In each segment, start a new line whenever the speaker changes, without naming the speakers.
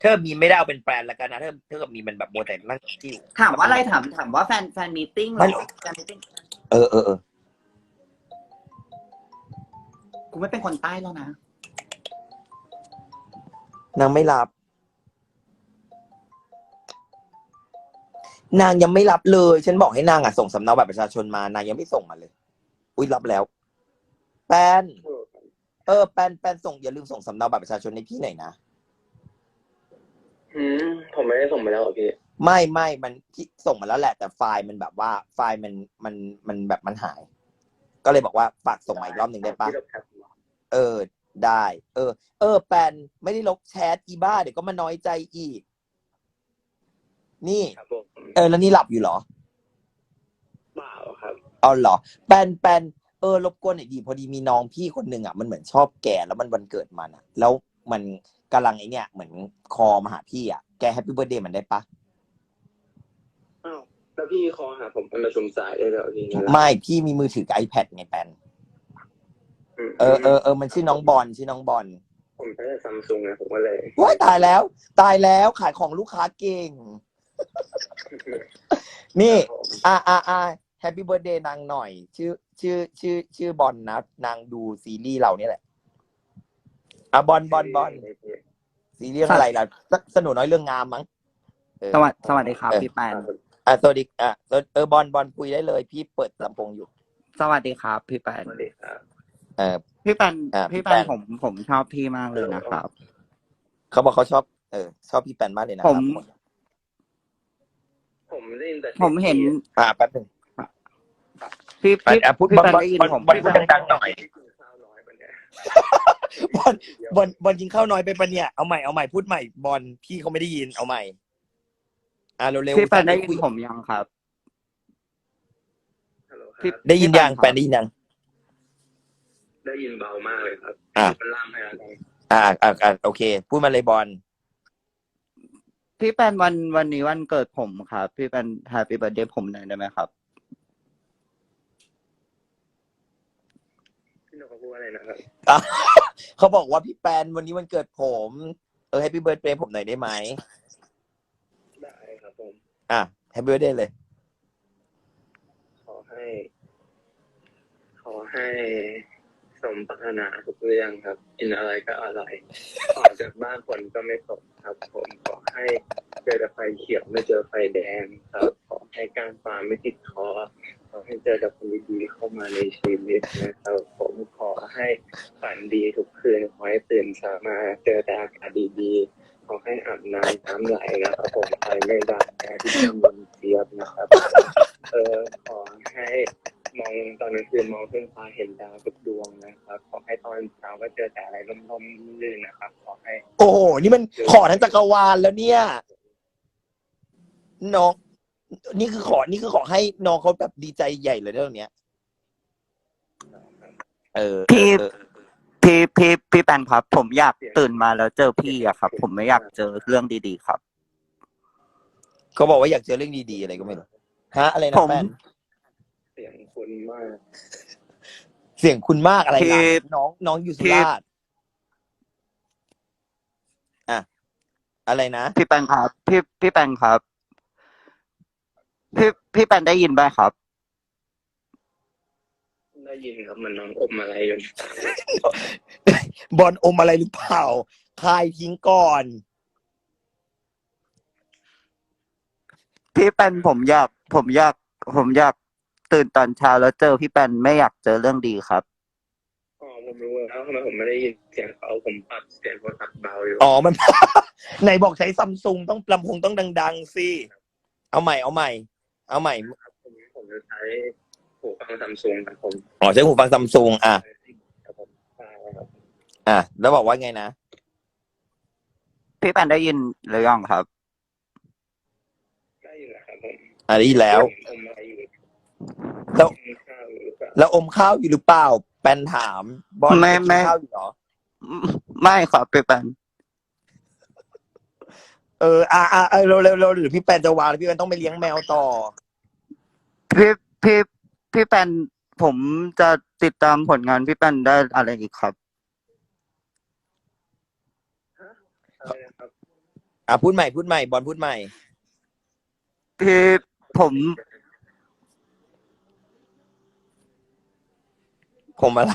เธอมีไม่ได้เอาเป็นแบรนด์แล้วกันนะเธอกับมีมันแบบโมแต่นั่งที่
ถามว่าอะไรถามว่าแฟนมีตติ้งเหรอแฟนมีตติ้ง
เออ
กูไม่เป็นคนใต้แล้วนะ
นางไม่รับนางยังไม่รับเลยฉันบอกให้นางส่งสำเนาบัตรประชาชนมานางยังไม่ส่งมาเลยอุ้ยรับแล้วแปนแปนส่งอย่าลืมส่งสำเนาบัตรประชาชนให้พี่หน่อยนะ
ผมไม่ได้ส่งไปแล้วพี่
ไม่มันที่ส่งมาแล้วแหละแต่ไฟล์มันแบบว่าไฟล์มันแบบมันหายก็เลยบอกว่าฝากส่งมาอีกรอบหนึ่งได้ปะได้แปนไม่ได้ลบแชทอีบ้าเดี๋ยวก็มาน้อยใจอีกนี่แล้วนี่หลับอยู่เหรอ
เปล่าครับ
เอาเหรอแปนรบกวนหน่อยดีพอดีมีน้องพี่คนหนึ่งมันเหมือนชอบแกแล้วมันวันเกิดมันแล้วมันกำลังไอเนี่ยเหมือนคอมาหาพี่แกแฮปปี้เบิร์ธเดย์มันได้ปะ
อ้าวแล้วพี่คอหาผมเป็นประชุมสายได้แล้วพี่
ไม่พี่มีมือถือกับ iPad ไงแปนมันชื่อน้องบอล
ผมใช้ซัมซุงนะผมก็เลย
ว้ายตายแล้วขายของลูกค้าเก่งนี่แฮปปี้เบิร์ธเดย์นางหน่อยชื่อบอลนะนางดูซีรีส์เราเนี่ยแหละบอลซีรีส์อะไรล่ะสนุกน้อยเรื่องงามมั้ง
สวัสดีครับพี่แปน
สวัสดีบอลคุยได้เลยพี่เปิดลำโพงอยู่
สวัสดีครับพี่แปน
สวัสดีครับ
พี่แปนผมชอบพี่มากเลยนะครับ
เขาบอกเขาชอบพี่แปนมากเลยนะครับ
ผมได้ยินแต่
ผมเห็น
แป๊บนึง
พี่แปนได้ยินผม
พูดดังๆหน่อยบอลกินข้าวน้อยไปปะเนี่ยเอาใหม่พูดใหม่บอลพี่เขาไม่ได้ยินเอาใหม่เร็ว
พี่แปนได้ยินผมยังครับ
ได้ยินยังแปนได้ยินยัง
ได้ยินเบามากเลยครับมันล่ามให้อะไร
โอเคพูดมาเลยบอล
พี่แปนวันนี้วันเกิดผมครับพี่แปนแฮปปี้เบิร์ธเดย์ผมหน่อยได้ไหมครับ
พี่นกเขาพูดอะไรนะครับ
เขาบอกว่าพี่แปนวันนี้วันเกิดผมแฮปปี้เบิร์ธเดย์ผมหน่อยได้ไหม
ได้ครับผม
แฮปปี้เบิร์ธเดย์เลย
ขอให้สมปรารถนาทุกเรื่องครับกินอะไรก็อร่อยออกจากบ้านฝนก็ไม่ตกครับผมขอให้เจอแต่ไฟเขียวไม่เจอไฟแดงครับขอให้การฟ้าไม่ติดคอขอให้เจอแต่คนดีๆเข้ามาในชีวิตนะครับผมขอให้ฝันดีทุกคืนขอให้ตื่นเช้ามาเจอแต่อากาศดีๆขอให้อาบน้ำไหลนะครับผมไฟไม่ดับที่มันเจี๊ยบนะครับขอให้มองตอนกลางคืนมองขึ้นฟ้าเห็นดาวทุกดวงนะครับขอให้ตอนเช้าก็เจอแต่อะไรร่มๆลื่นนะครับขอให้
โอ้โหนี่มันขอทั้งจักรวาลแล้วเนี่ยน้องนี่คือขอให้น้องเขาแบบดีใจใหญ่เลยเรื่องเนี้ย
พี่แปนครับผมอยากตื่นมาแล้วเจอพี่อะครับผมไม่อยากเจอเรื่องดีๆครับ
เขาบอกว่าอยากเจอเรื่องดีๆอะไรก็ไม่รู้อะไรนะแฟน
เสียงคุณมาก
อะไรนะน้องอยู่สุราษฎร์อะไรนะ
พี่แปนครับพี่แปนครับพี่แปนได้ยินไหมครับ
ได้ยินครับมันน้องอมอะไรอยู่
บอลอมอะไรหรือเปล่าคายทิ้งก่อน
พี่แปนผมอยากตื่นตอนเช้าแล้วเจอพี่แปนไม่อยากเจอเรื่องดีครับ
ผมรู้แล้วทำไมผมไม่ได้ยินเสียงเขาผมปรับเสียงโทรศัพท์เบาอยู่
มัน ไหนบอกใช้ซัมซุงต้องลำโพงต้องดังๆสิเอาใหม่
ผมจะใช้หูฟังซัมซุงครับผม
ใช้หูฟังซัมซุงแล้วบอกว่าไงนะ
พี่แปนได้ยินหรือยังครับ
ได้ยินแล้วครับผม
ได้ยินแล้วแล้วอมข้าวอยู่หรือเปล่าแปนถามบอล
ไม่
ข้าวอยู่หรอ
ไม่ครับพี่แปน
เร็วหรือพี่แปนจะวางพี่แปนต้องไปเลี้ยงแมวต่อ
พี่แปนผมจะติดตามผลงานพี่แปนได้อะไรอีกครับ
พูดใหม่บอลพูดใหม่
พี่ผม
ผมอะไร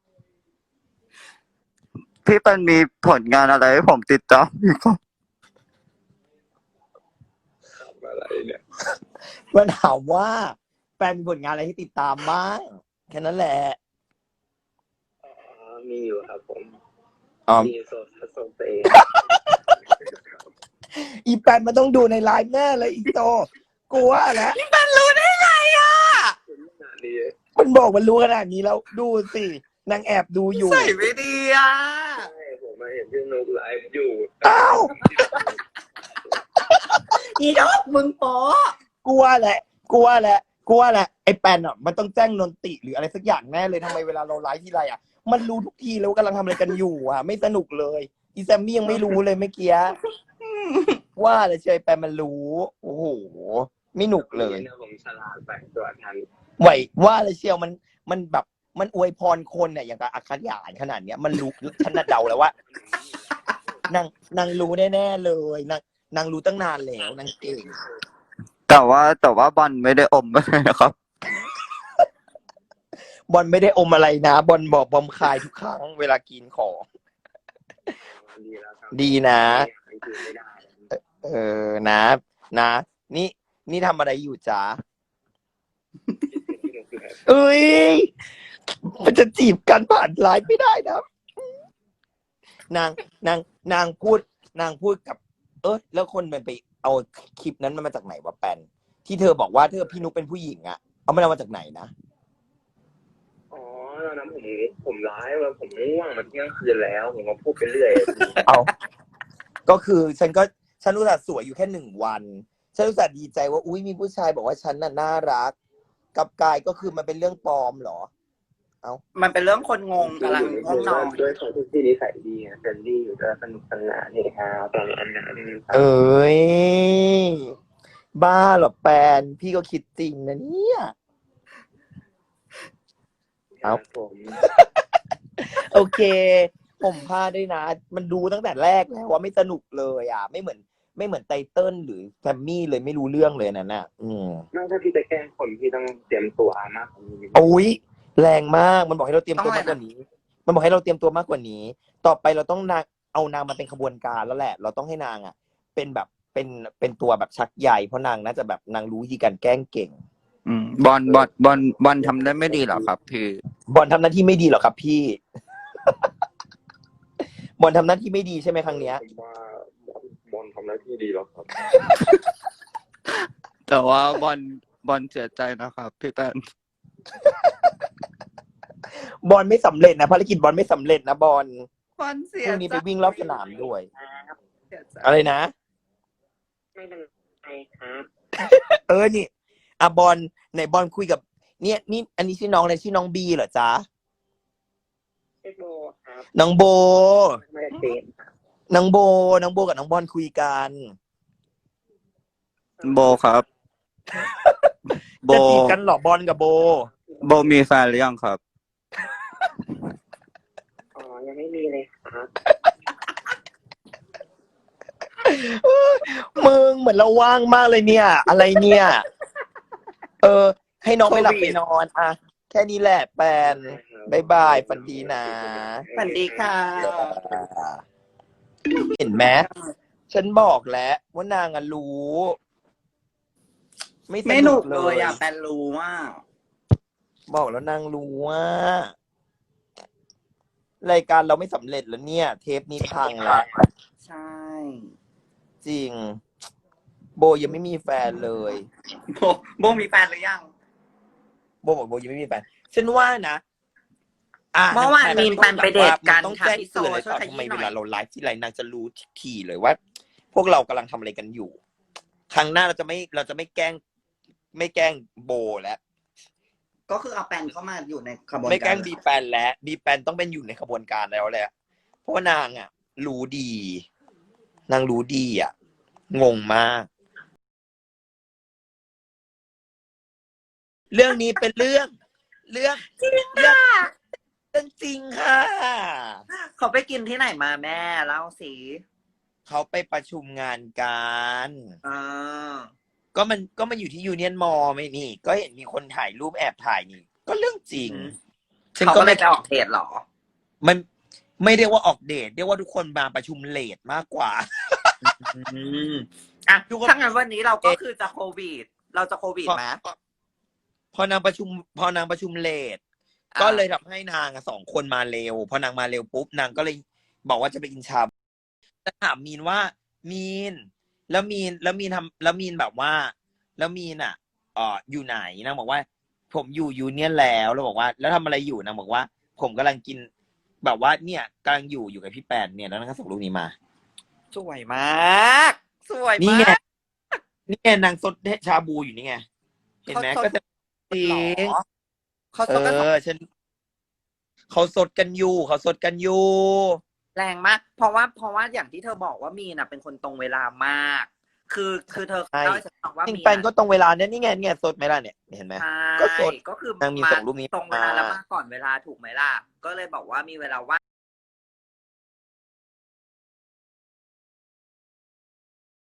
พี่เป็นมีผลงานอะไรให้ผมติดตามอยู่ครับ
ทำอะไรเนี่ย
มันถามว่าแฟนมีผลงานอะไรที่ติดตามบ้างแค่นั้นแหละ
มีอยู่ครับผม
อ๋อ
มีโซเฟ
อีแปนมันต้องดูในไลฟ์แน่เลยอีโตกลัวแล้ว
ขนาดนี้
มันบอกมันรู้ขนาดนี้แล้วดูสินางแอบดูอยู่
ใส่ไม่ดีอ่ะ
ใช่ผมมาเห็นพี่นุกไลฟ์อยู่
อ้าว
อีดอกมึงโป๊ะ
กลัวแหละไอ้แปนอ่ะมันต้องแจ้งนนติหรืออะไรสักอย่างแน่เลยทำไมเวลาเราไลฟ์ที่ไรอ่ะมันรู้ทุกทีแล้วว่ากำลังทำอะไรกันอยู่อ่ะ ไม่สนุกเลยอีแซมมี่ยังไม่รู้เลยเมื่อกี้ว่าเลยเชยแปนมันรู้โอ้โหไม่หนุกเลย
เนี่ยผมฉลาดไปตัวทัน
ไหวว่าเลยเชียวมันแบบมันอวยพรคนเนี่ยอย่างกับอักขยานขนาดเนี้ยมันรู้ฉันน่ะเดาแล้วว่านางรู้แน่ๆเลยนางรู้ตั้งนานแล้วนางเก่ง
แต่ว่าบอลไม่ได้อมอะไรนะครับ
บอลไม่ได้อมอะไรนะบอลบอกบอมคายทุกครั้งเวลากินของ
ดีแล้วครับ
ดีนะ
ไม่ได้
นะนี่ทำอะไรอยู่จ๊ะเอ้ยมันจะจีบกันผ่านไลน์ไม่ได้นะนางพูดกับ แล้วคนมันไปเอาคลิปนั้นมันมาจากไหนวะแปนที่เธอบอกว่าพี่นุ๊กเป็นผู้หญิงอะเอามันเอามาจากไหนนะ
อ๋อตอนนั้นผมไลฟ์แล้วผมง่วงมันเที่ยงคืนแล้วผมก็พูดไปเรื่อย
เอาก็คือฉันรู้สึกสวยอยู่แค่1 วันฉันรู้สึกดีใจว่าอุ้ยมีผู้ชายบอกว่าฉันน่ะน่ารักกับกายก็คือมันเป็นเรื่องปลอมเหรอ
มันเป็นเรื่องคนงงกำลังง่วงนอน
ด้วยเขาที่นิสัยดีเฟรนลี่อยู่ด้วยสนุกสนานนี่ฮะตอนนั้นนะ
เอ้ยบ้าเหรอแปนพี่ก็คิดจริงนะเนี่ย
ผม
โอเค ผมพลาดด้วยนะ มันดูตั้งแต่แรกแล้วว่าไม่สนุกเลยอ่ะ ไม่เหมือนไตเติ้ลหรือแซมมี่เลยไม่รู้เรื่องเลยนั่นน่ะ
ถ้าพี่จะแกล้งคนพี่ต้องเตรียมตัวมากกว่านี้
โอ้ยแรงมากมันบอกให้เราเตรียมตัวมากกว่านี้ มันบอกให้เราเตรียมตัวมากกว่านี้ ต่อไปเราต้องเอานางมาเป็นขบวนการแล้วแหละ เราต้องให้นางอ่ะ เป็นแบบเป็นตัวแบบชักใหญ่เพราะนางน่าจะแบบนางรู้วิธีการแกล้งเก่ง
บอลทำได้ไม่ดีหรอครับพี่
บอลทำหน้าที่ไม่ดีหรอครับพี่ บอลทำหน้าที่ไม่ดีใช่ไหมครั้งเนี้ย
ผมว่าบอลทำหน้าที่ดีแล้วครับ
แต่ว่าบอลเสียใจนะครับพี่แป้น
บอลไม่สำเร็จนะภารกิจบอลไม่สำเร็จนะบอล
บอลเสี
พ
ย
รุ่งนี้
ใจ
ไปวิ่งรอบสนามด้วย
เสียใจ
อะไรนะ
ไม่เป็นไรครับ
นี่บอลไหนบอลคุยกับเนี่ยนี่อันนี้ชื่อน้องอะไรชื่อน้องบีเหรอจ๊ะ
พี่โบครับ
น้องโบ
ไม่ได้เป็น
น้องโบกับน้องบอลคุยกัน
โบครับ โบ
จะจีบกันเหรอบอลกับโบ
โบมีแฟนหรือยังครับ
อ๋อยังไม่มีเลยครับ
มึงเหมือนเราว่างมากเลยเนี่ย อะไรเนี่ย ให้น้องไปหลับไปนอนอ่ะแค่นี้แหละแปนบายบายฝันดีนะ
สวัสดีค่ะ
เห็นไหมฉันบอกแล้วว่านางอะรู้
ไม่หนุกเลยอ่ะแปนรู้ว่า
บอกแล้วนางรู้ว่ารายการเราไม่สำเร็จแล้วเนี่ย เทปนี้พังแล้ว
ใช่
จริง โบยังไม่มีแฟนเลย
โบมีแฟนหรือยัง
โบบอกโบยังไม่มีแฟนฉันว่านะ
เมื่อวานมีนแฟนไปเดทกัน
ต้อง
ค่ะ
แจ้ง
พี่โซ
เตือนเลย
ช่วย
ค่ะ
ข
ทำไม
ยี้หน่
เว
อย
ลาเราไลฟ์ที่ไรนางจะรู้ทีเลยว่า พวกเรากำลังทำอะไรกันอยู่ ครั้งหน้าเราจะไม่แกล้งโบแล้ว
ก็คือเอาแปนเข้ามาอยู่ในขบวนการ
ไม่แกล้งบีแปนแล้วบีแปนต้องเป็นอยู่ในขบวนการแล้วแหละเพราะว่านางอ่ะ รู้ดี นางรู้ดีอ่ะ งงมาก เรื่องนี้เป็นเรื่องจริงค่ะ
เขาไปกินที่ไหนมาแม่เล่าสิ
เขาไปประชุมงานกัน
อ่า
ก็มันอยู่ที่ยูเนียนมอลไม่นี่ ก็เห็นมีคนถ่ายรูปแอบถ่ายนี่ ก็เรื่องจริงฉัน
เขา
ก็
ก็เล
ไม่
ยไปออกเดทเหรอ
มันไม่เรียกว่าออกเดทเรียกว่าทุกคนมาประชุมเลทมากกว่า
อ่ะ
ทุกคน
ถ้างั้นวันนี้เราก็คือจะโควิด เราจะโควิดไหม
พอนางประชุมเลทก็เลยทำให้นางสองคนมาเร็วพอนางมาเร็วปุ๊บนางก็เลยบอกว่าจะไปกินชาบูจะถามมีนว่ามีนแล้วมีนทำแล้วมีนแบบว่า แล้วมีนอ่ะอยู่ไหนนางบอกว่า ผมอยู่ยูเนียนแล้วบอกว่า แล้วทำอะไรอยู่นางบอกว่า ผมกำลังกิน แบบว่าเนี่ยกำลังอยู่กับพี่แปนเนี่ยแล้วนางก็ส่งรูปนี้มา
สวยมาก สวย
นี่
มา
ไง
ก
นี่ไงนางซดชาบูอยู่นี่ไงเห็นไหม
เขา
ก็จะจริ
หรอง เขา
เอ
สดกันสอง
อฉันเขาสดกันอยู่
แรงมาก เพราะว่าอย่างที่เธอบอกว่ามีนน่ะเป็นคนตรงเวลามาก คือเธอ
ใช่
เล่าให้ฉันฟังว่า
จริง
มี
แปนก็ตรงเวลาเนี่ยนี่ไงเนี่ยสดไหมล่ะเนี่ยเห็นไหม
ใช่
ก็สด
ก็คือน
างมีส่งรูปนี้
ตรงเวลา
มา
แล้วมาก่อนเวลาถูกไหมล่ะ ก็เลยบอกว่ามีเวลาว่าง